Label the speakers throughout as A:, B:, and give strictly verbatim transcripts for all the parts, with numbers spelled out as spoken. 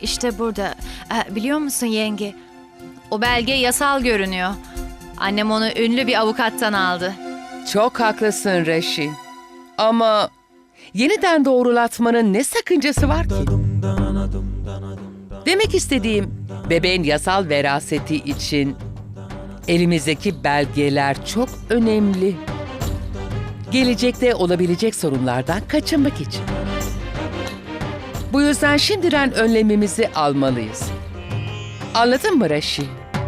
A: İşte burada. Ee, biliyor musun yenge? O belge yasal görünüyor. Annem onu ünlü bir avukattan aldı.
B: Çok haklısın Reşi. Ama yeniden doğrulatmanın ne sakıncası var ki? Demek istediğim, bebeğin yasal veraseti için elimizdeki belgeler çok önemli. Gelecekte olabilecek sorunlardan kaçınmak için. Bu yüzden şimdiden önlemimizi almalıyız. Anladın mı Reşi?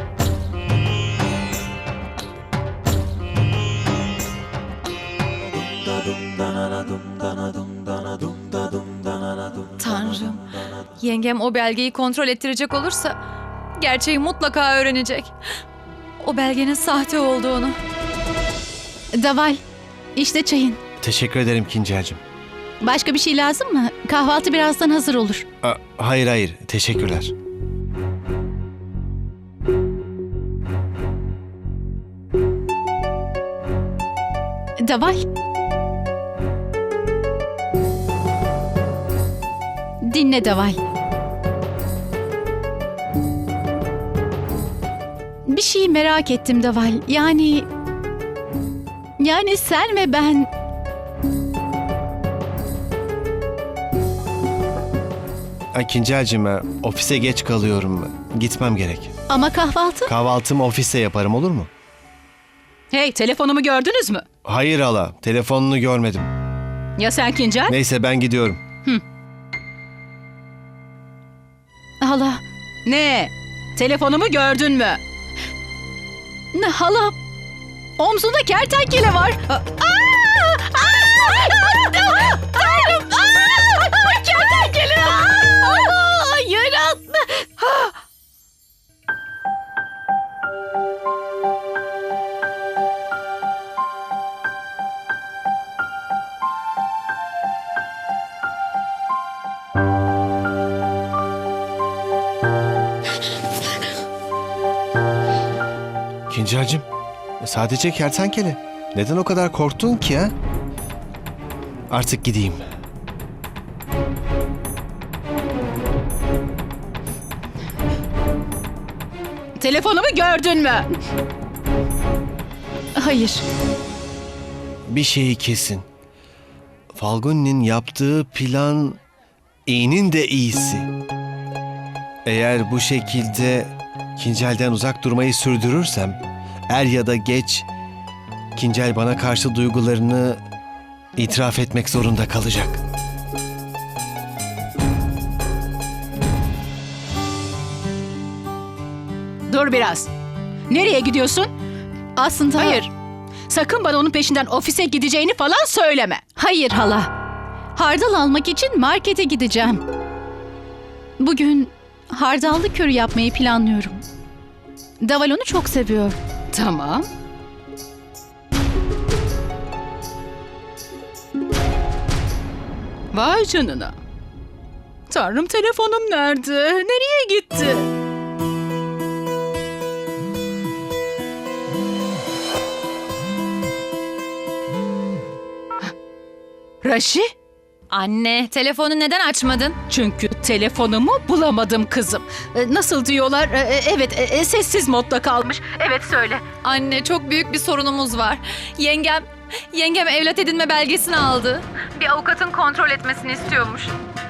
A: Tanrım, yengem o belgeyi kontrol ettirecek olursa gerçeği mutlaka öğrenecek. O belgenin sahte olduğunu.
C: Daval, işte çayın.
D: Teşekkür ederim Kincel'cim.
C: Başka bir şey lazım mı? Kahvaltı birazdan hazır olur.
D: Aa, hayır hayır, teşekkürler.
C: Daval. Dinle Daval. Bir şeyi merak ettim Daval. Yani... Yani sen ve ben...
D: Ay, Kincel'cim, e, ofise geç kalıyorum. Gitmem gerek.
C: Ama kahvaltı...
D: Kahvaltımı ofiste yaparım, olur mu?
E: Hey, telefonumu gördünüz mü?
D: Hayır hala, telefonunu görmedim.
E: Ya sen Kincel?
D: Neyse ben gidiyorum.
C: Hala...
E: Ne? Telefonumu gördün mü?
C: Ne hala... Omzunda kertenkele var. Aa! Aa! Tanrım! Aa! Kertenkele! Aa! Yarattı!
D: Kincel'cim, e, sadece kertenkele. Neden o kadar korktun ki ha? Artık gideyim.
E: Telefonumu gördün mü?
C: Hayır.
D: Bir şeyi kesin. Falguni'nin yaptığı plan iyinin de iyisi. Eğer bu şekilde Kincel'den uzak durmayı sürdürürsem, er ya da geç Kincel bana karşı duygularını itiraf etmek zorunda kalacak.
E: Dur biraz. Nereye gidiyorsun?
C: Aslında...
E: Hayır. Sakın bana onun peşinden ofise gideceğini falan söyleme.
C: Hayır hala. Hardal almak için markete gideceğim. Bugün hardallı köri yapmayı planlıyorum. Daval onu çok seviyor.
E: Tamam. Vay canına. Tanrım, telefonum nerede? Nereye gitti? Raşi?
A: Anne, telefonu neden açmadın?
E: Çünkü telefonumu bulamadım kızım. E, Nasıl diyorlar? E, e, Evet, e, e, sessiz modda kalmış. Evet, söyle.
A: Anne, çok büyük bir sorunumuz var. Yengem, yengem evlat edinme belgesini aldı. Bir avukatın kontrol etmesini istiyormuş.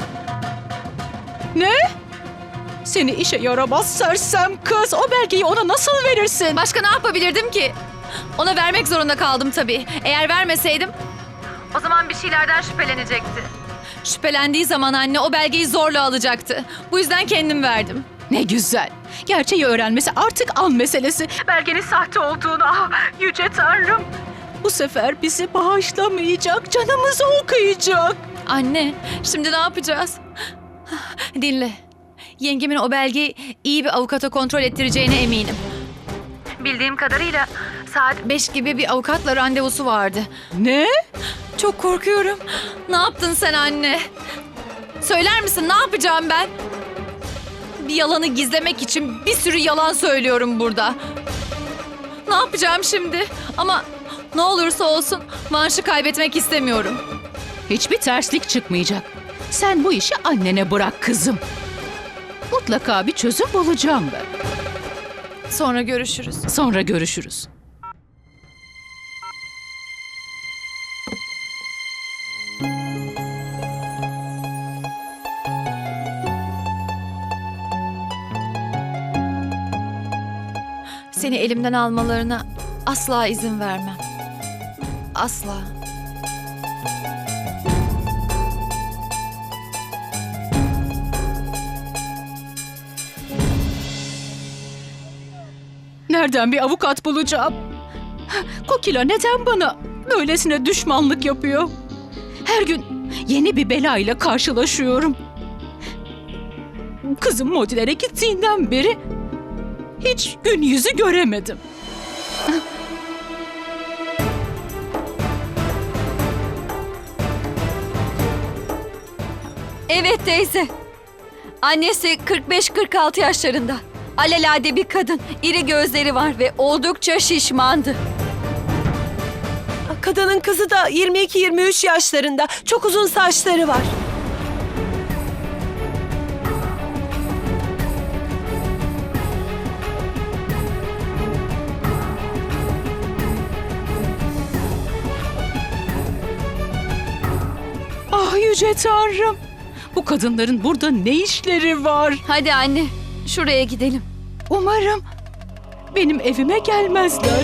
E: Ne? Seni işe yaramaz sersem kız. O belgeyi ona nasıl verirsin?
A: Başka ne yapabilirdim ki? Ona vermek zorunda kaldım tabii. Eğer vermeseydim, o zaman bir şeylerden şüphelenecekti. Şüphelendiği zaman anne o belgeyi zorla alacaktı. Bu yüzden kendim verdim.
E: Ne güzel. Gerçeği öğrenmesi artık an meselesi. Belgenin sahte olduğunu, ah yüce tanrım. Bu sefer bizi bağışlamayacak, canımızı okuyacak.
A: Anne, şimdi ne yapacağız? Dinle. Yengemin o belgeyi iyi bir avukata kontrol ettireceğine eminim. Bildiğim kadarıyla saat beş gibi bir avukatla randevusu vardı.
E: Ne?
A: Çok korkuyorum. Ne yaptın sen anne? Söyler misin ne yapacağım ben? Bir yalanı gizlemek için bir sürü yalan söylüyorum burada. Ne yapacağım şimdi? Ama ne olursa olsun Vanş'ı kaybetmek istemiyorum.
E: Hiçbir terslik çıkmayacak. Sen bu işi annene bırak kızım. Mutlaka bir çözüm bulacağım ben.
A: Sonra görüşürüz.
E: Sonra görüşürüz.
A: Seni elimden almalarına asla izin vermem. Asla.
E: Nereden bir avukat bulacağım? Kokila neden bana böylesine düşmanlık yapıyor? Her gün yeni bir belayla karşılaşıyorum. Kızım Modilere gittiğinden beri hiç gün yüzü göremedim.
A: Evet teyze. Annesi kırk beş kırk altı yaşlarında. Alelade bir kadın. İri gözleri var ve oldukça şişmandı.
F: Kadının kızı da yirmi iki yirmi üç yaşlarında. Çok uzun saçları var.
E: Ah yüce Tanrım! Bu kadınların burada ne işleri var?
A: Hadi anne, şuraya gidelim.
E: Umarım benim evime gelmezler.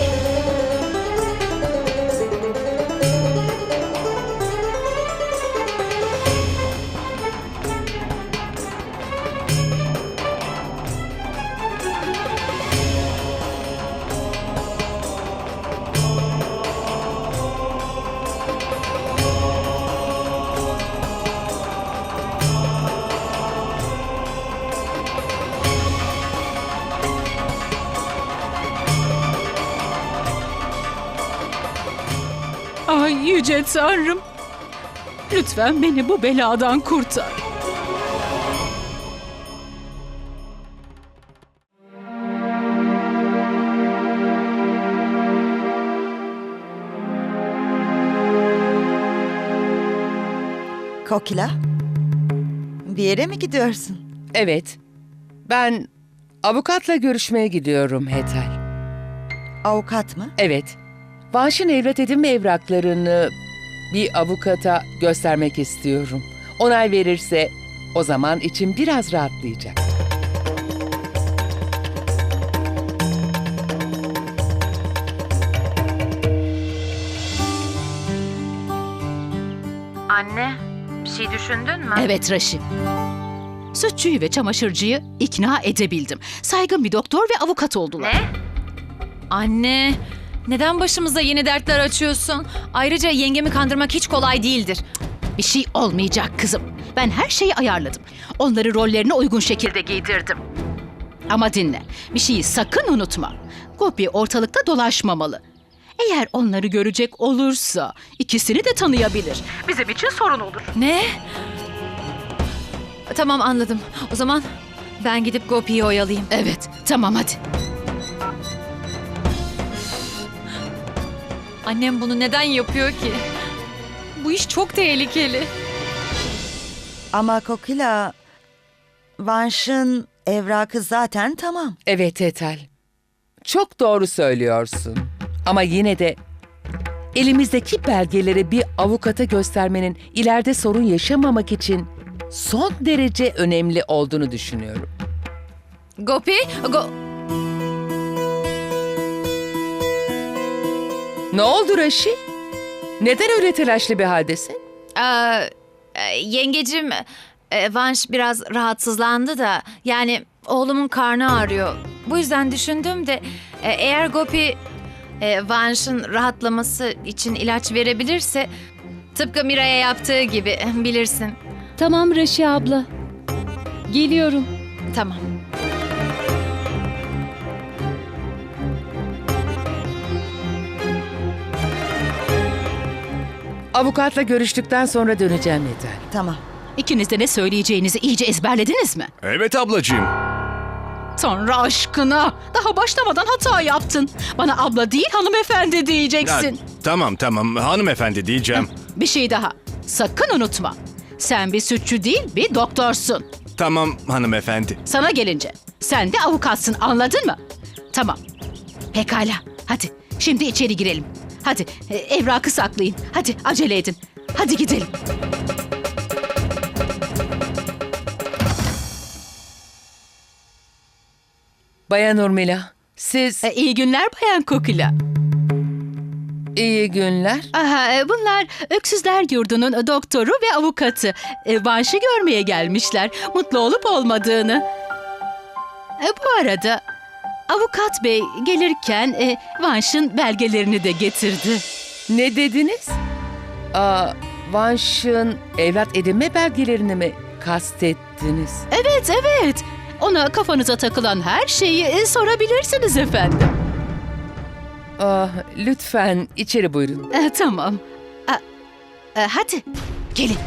E: Ay yüce Tanrım! Lütfen beni bu beladan kurtar.
G: Kokila, bir yere mi gidiyorsun?
B: Evet. Ben avukatla görüşmeye gidiyorum Hetal.
G: Avukat mı?
B: Evet. Vanş'ın evlat edinme evraklarını bir avukata göstermek istiyorum. Onay verirse o zaman içim biraz rahatlayacak.
A: Anne, bir şey düşündün mü?
E: Evet Raşi. Sütçüyü ve çamaşırcıyı ikna edebildim. Saygın bir doktor ve avukat oldular.
A: Ne? Anne, neden başımıza yeni dertler açıyorsun? Ayrıca yengemi kandırmak hiç kolay değildir.
E: Bir şey olmayacak kızım. Ben her şeyi ayarladım. Onları rollerine uygun şekilde giydirdim. Ama dinle, bir şeyi sakın unutma. Gopi ortalıkta dolaşmamalı. Eğer onları görecek olursa ikisini de tanıyabilir. Bizim için sorun olur.
A: Ne? Tamam anladım. O zaman ben gidip Gopi'yi oyalayayım.
E: Evet, tamam hadi.
A: Annem bunu neden yapıyor ki? Bu iş çok tehlikeli.
G: Ama Kokila, Vanş'ın evrakı zaten tamam.
B: Evet Hetal. Çok doğru söylüyorsun. Ama yine de elimizdeki belgeleri bir avukata göstermenin ileride sorun yaşamamak için son derece önemli olduğunu düşünüyorum.
A: Gopi, Go...
B: Ne oldu Raşi? Neden öyle telaşlı bir haldesin?
A: Aa, e, yengecim, e, Vanş biraz rahatsızlandı da yani oğlumun karnı ağrıyor. Bu yüzden düşündüm de e, eğer Gopi e, Vanş'ın rahatlaması için ilaç verebilirse tıpkı Mira'ya yaptığı gibi bilirsin.
H: Tamam Raşi abla. Geliyorum.
A: Tamam.
B: Avukatla görüştükten sonra döneceğim Hetal.
G: Tamam.
E: İkiniz de ne söyleyeceğinizi iyice ezberlediniz mi?
D: Evet ablacığım.
E: Tanrı aşkına, daha başlamadan hata yaptın. Bana abla değil hanımefendi
I: Ya,
E: diyeceksin.
I: tamam tamam hanımefendi diyeceğim.
E: Bir şey daha, sakın unutma. Sen bir sütçü değil, bir doktorsun.
I: Tamam hanımefendi.
E: Sana gelince sen de avukatsın, anladın mı? Tamam. Pekala. Hadi şimdi içeri girelim. Hadi e, evrakı saklayın. Hadi acele edin. Hadi gidelim.
B: Bayan Urmila, siz
E: E, iyi günler Bayan Kokila.
B: iyi günler.
E: Aha, e, bunlar Öksüzler Yurdu'nun doktoru ve avukatı. E, Vanş'ı görmeye gelmişler. Mutlu olup olmadığını. E, bu arada avukat bey gelirken e, Vanş'ın belgelerini de getirdi.
B: Ne dediniz? Aa, Vanş'ın evlat edinme belgelerini mi kastettiniz?
E: Evet, evet. Ona kafanıza takılan her şeyi e, sorabilirsiniz efendim.
B: Ah, lütfen içeri buyurun.
E: E, tamam. E, e, hadi gelin.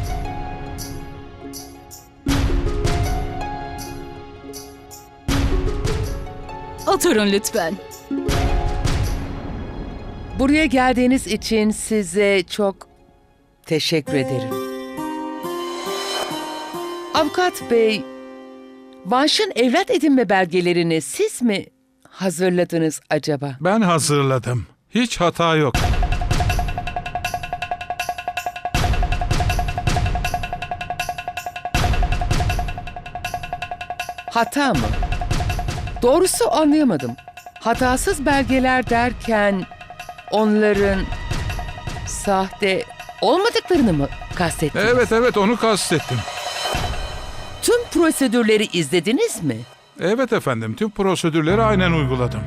E: Oturun lütfen.
B: Buraya geldiğiniz için size çok teşekkür ederim. Avukat bey, Vanş'ın evlat edinme belgelerini siz mi hazırladınız acaba?
J: Ben hazırladım. Hiç hata yok.
B: Hata mı? Doğrusu anlayamadım. Hatasız belgeler derken onların sahte olmadıklarını mı kastettiniz?
J: Evet evet onu kastettim.
B: Tüm prosedürleri izlediniz mi?
J: Evet efendim tüm prosedürleri aynen uyguladım.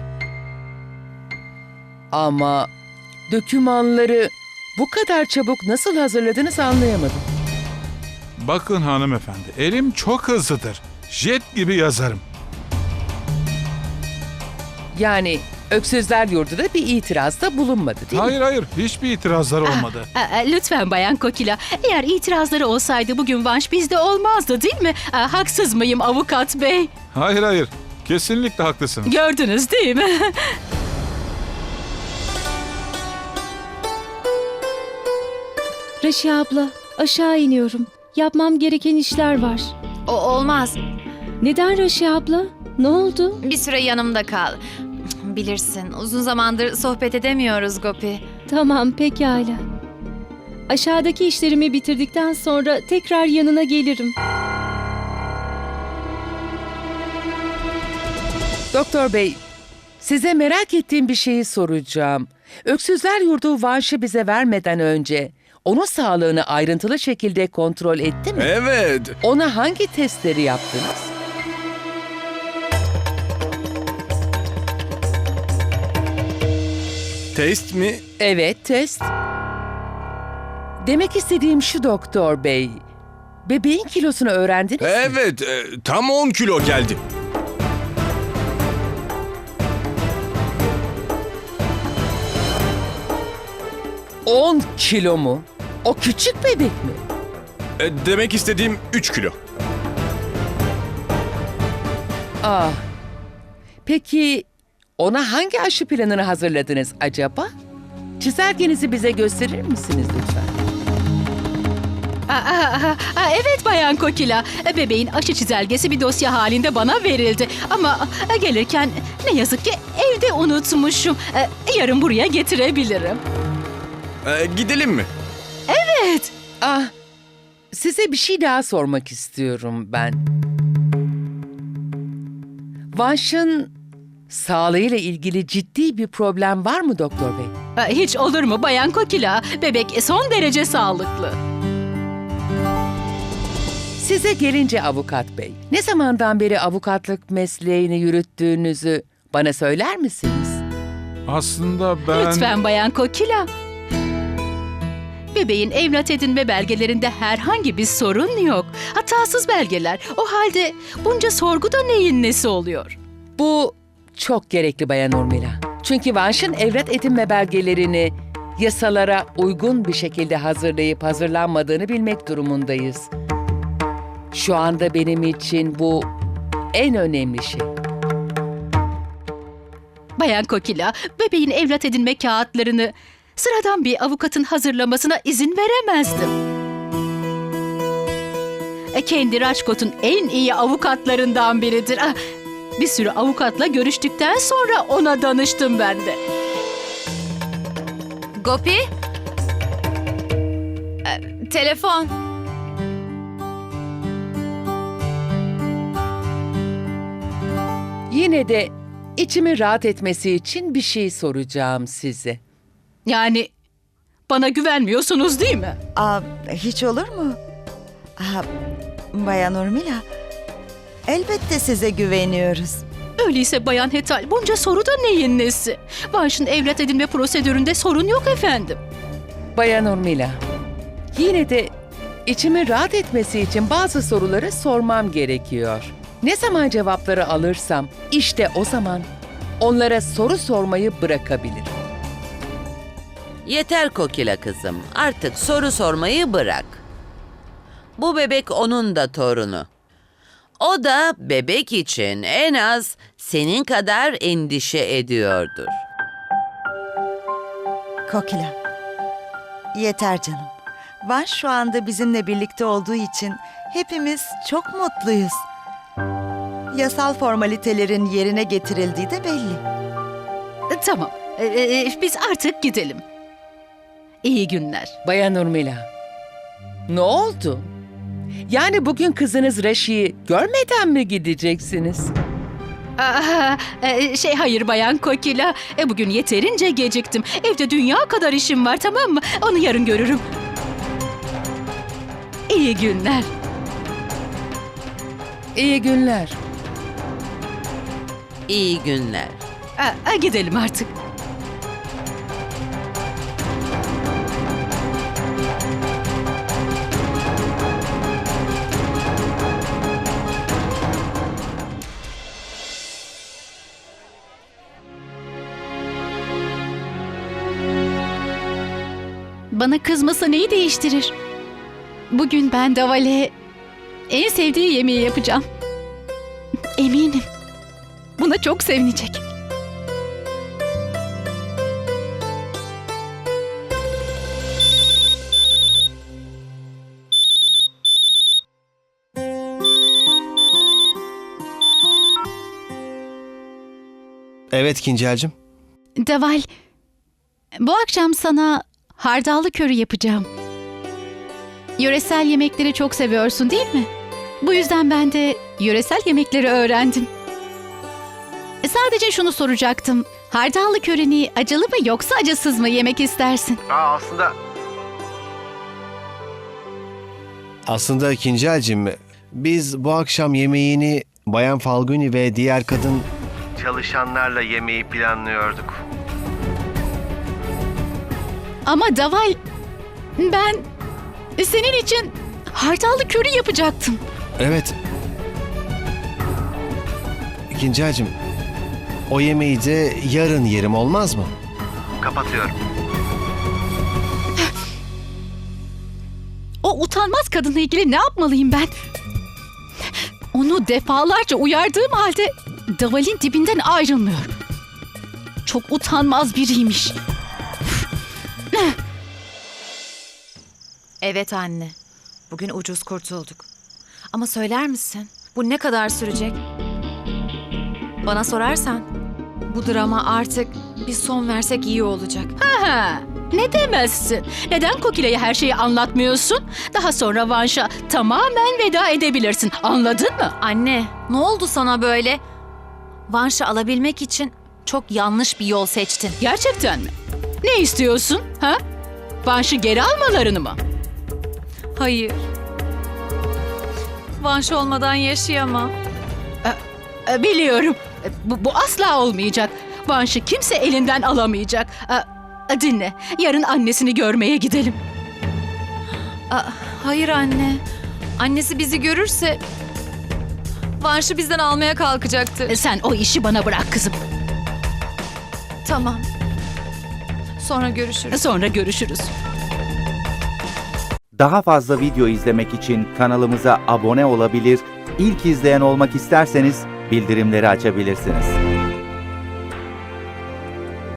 B: Ama dokümanları bu kadar çabuk nasıl hazırladınız anlayamadım.
J: Bakın hanımefendi elim çok hızlıdır. Jet gibi yazarım.
B: Yani Öksüzler Yurdu'da bir itirazda bulunmadı değil
J: Hayır
B: mi?
J: hayır hiçbir itirazlar olmadı.
E: E, e, lütfen Bayan Kokila. Eğer itirazları olsaydı bugün Vanş bizde olmazdı değil mi? E, haksız mıyım avukat bey?
J: Hayır hayır kesinlikle haklısınız.
E: Gördünüz değil mi?
H: Raşi abla, aşağı iniyorum. Yapmam gereken işler var.
A: O olmaz.
H: Neden Raşi abla? Ne oldu?
A: Bir süre yanımda kal. Bilirsin, uzun zamandır sohbet edemiyoruz Gopi.
H: Tamam, pekala. Aşağıdaki işlerimi bitirdikten sonra tekrar yanına gelirim.
B: Doktor bey, size merak ettiğim bir şeyi soracağım. Öksüzler Yurdu Vanş'ı bize vermeden önce onun sağlığını ayrıntılı şekilde kontrol etti mi?
I: Evet.
B: Ona hangi testleri yaptınız?
I: Test mi?
B: Evet, test. Demek istediğim şu doktor bey. Bebeğin kilosunu öğrendiniz mi?
I: Evet. e, tam on kilo geldi.
B: on kilo mu? O küçük bebek mi?
I: E, demek istediğim üç kilo.
B: Ah. Peki ona hangi aşı planını hazırladınız acaba? Çizelgenizi bize gösterir misiniz lütfen?
E: Aa, aa, aa, evet Bayan Kokila. Bebeğin aşı çizelgesi bir dosya halinde bana verildi. Ama gelirken ne yazık ki evde unutmuşum. Ee, Yarın buraya getirebilirim.
I: E, gidelim mi?
E: Evet.
B: Ah, size bir şey daha sormak istiyorum ben. Vanş'ın sağlığıyla ilgili ciddi bir problem var mı doktor bey?
E: Ee, Hiç olur mu Bayan Kokila? Bebek son derece sağlıklı.
B: Size gelince avukat bey, ne zamandan beri avukatlık mesleğini yürüttüğünüzü bana söyler misiniz?
J: Aslında ben...
E: Lütfen Bayan Kokila. Bebeğin evlat edinme belgelerinde herhangi bir sorun yok. Hatasız belgeler. O halde bunca sorguda neyin nesi oluyor?
B: Bu çok gerekli Bayan Urmila. Çünkü Vanş'ın evlat edinme belgelerini yasalara uygun bir şekilde hazırlayıp hazırlanmadığını bilmek durumundayız. Şu anda benim için bu en önemli şey.
E: Bayan Kokila, bebeğin evlat edinme kağıtlarını sıradan bir avukatın hazırlamasına izin veremezdim. E, kendi Rajkot'un en iyi avukatlarından biridir. Ah, bir sürü avukatla görüştükten sonra ona danıştım ben de.
A: Gopi? Ee, telefon.
B: Yine de içimi rahat etmesi için bir şey soracağım size.
E: Yani bana güvenmiyorsunuz değil mi?
G: Aa, hiç olur mu? Aa, Bayan Urmila, elbette size güveniyoruz.
E: Öyleyse Bayan Hetal, bunca soru da neyin nesi? Vanş'ın evlat edinme prosedüründe sorun yok efendim.
B: Bayan Urmila, yine de içimi rahat etmesi için bazı soruları sormam gerekiyor. Ne zaman cevapları alırsam işte o zaman onlara soru sormayı bırakabilirim.
K: Yeter Kokila kızım. Artık soru sormayı bırak. Bu bebek onun da torunu. O da bebek için en az senin kadar endişe ediyordur.
G: Kokila, yeter canım. Van şu anda bizimle birlikte olduğu için hepimiz çok mutluyuz. Yasal formalitelerin yerine getirildiği de belli.
E: E, tamam, E, e, biz artık gidelim. İyi günler.
B: Bayan Urmila, ne oldu? Yani bugün kızınız Raşi'yi görmeden mi gideceksiniz?
E: Aa, e, şey hayır Bayan Kokila, e, bugün yeterince geciktim. Evde dünya kadar işim var, tamam mı? Onu yarın görürüm. İyi günler.
B: İyi günler.
K: İyi günler.
E: Aa, gidelim artık.
C: Bana kızması neyi değiştirir? Bugün ben Daval'e en sevdiği yemeği yapacağım. Eminim. Buna çok sevinecek.
D: Evet Kincelcim.
C: Daval, bu akşam sana hardallı köri yapacağım. Yöresel yemekleri çok seviyorsun değil mi? Bu yüzden ben de yöresel yemekleri öğrendim. Sadece şunu soracaktım. Hardallı körini acılı mı yoksa acısız mı yemek istersin?
D: Aa, aslında... Aslında Kincelcim, biz bu akşam yemeğini Bayan Falguni ve diğer kadın çalışanlarla yemeği planlıyorduk.
C: Ama Daval, ben senin için hardallı köri yapacaktım.
D: Evet. Kincelcim, o yemeği de yarın yerim, olmaz mı? Kapatıyorum.
C: O utanmaz kadınla ilgili ne yapmalıyım ben? Onu defalarca uyardığım halde Daval'in dibinden ayrılmıyor. Çok utanmaz biriymiş.
A: Evet anne. Bugün ucuz kurtulduk. Ama söyler misin? Bu ne kadar sürecek? Bana sorarsan bu drama artık bir son versek iyi olacak.
E: Ha, ne demezsin? Neden Kokila'ya her şeyi anlatmıyorsun? Daha sonra Vanş'a tamamen veda edebilirsin. Anladın mı?
A: Anne, ne oldu sana böyle? Vanş'ı alabilmek için çok yanlış bir yol seçtin.
E: Gerçekten mi? Ne istiyorsun? Ha? Vanş'ı geri almalarını mı?
A: Hayır. Vanş olmadan yaşayamam.
E: E, Biliyorum. E, Bu, bu asla olmayacak. Vanş'ı kimse elinden alamayacak. E, Dinle. Yarın annesini görmeye gidelim.
A: Aa, hayır anne. Annesi bizi görürse Vanş'ı bizden almaya kalkacaktı.
E: E, Sen o işi bana bırak kızım.
A: Tamam. Sonra görüşürüz.
E: Sonra görüşürüz.
L: Daha fazla video izlemek için kanalımıza abone olabilir, ilk izleyen olmak isterseniz bildirimleri açabilirsiniz.